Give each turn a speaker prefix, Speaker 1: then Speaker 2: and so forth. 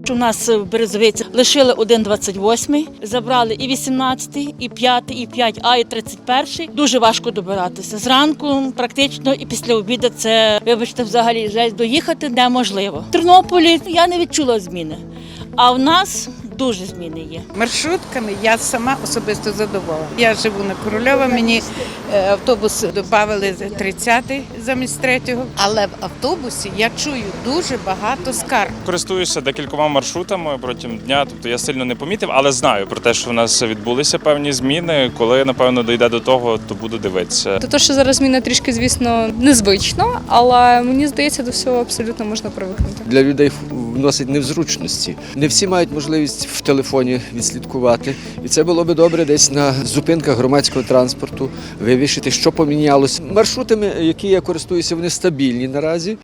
Speaker 1: У нас в Березовиці лишили 1,28, забрали і 18, і 5, і 5А, і 31. Дуже важко добиратися. Зранку практично і після обіду це, вибачте, взагалі жесть, доїхати неможливо. В Тернополі я не відчула зміни, а в нас дуже зміни є.
Speaker 2: Маршрутками я сама особисто задоволена. Я живу на Корольова, мені автобус додали 30-й замість 3-го, але в автобусі я чую дуже багато скарг.
Speaker 3: Користуюся декількома маршрутами протягом дня, тобто я сильно не помітив, але знаю про те, що в нас відбулися певні зміни. Коли, напевно, дійде до того, то буду дивитися.
Speaker 4: Те, що зараз зміна трішки, звісно, незвично, але мені здається, до всього абсолютно можна привикнути.
Speaker 5: Для людей вносить незручності. Не всі мають можливість в телефоні відслідкувати. І це було би добре десь на зупинках громадського транспорту вивішити, що помінялося. Маршрутами, які я користуюся, вони стабільні наразі.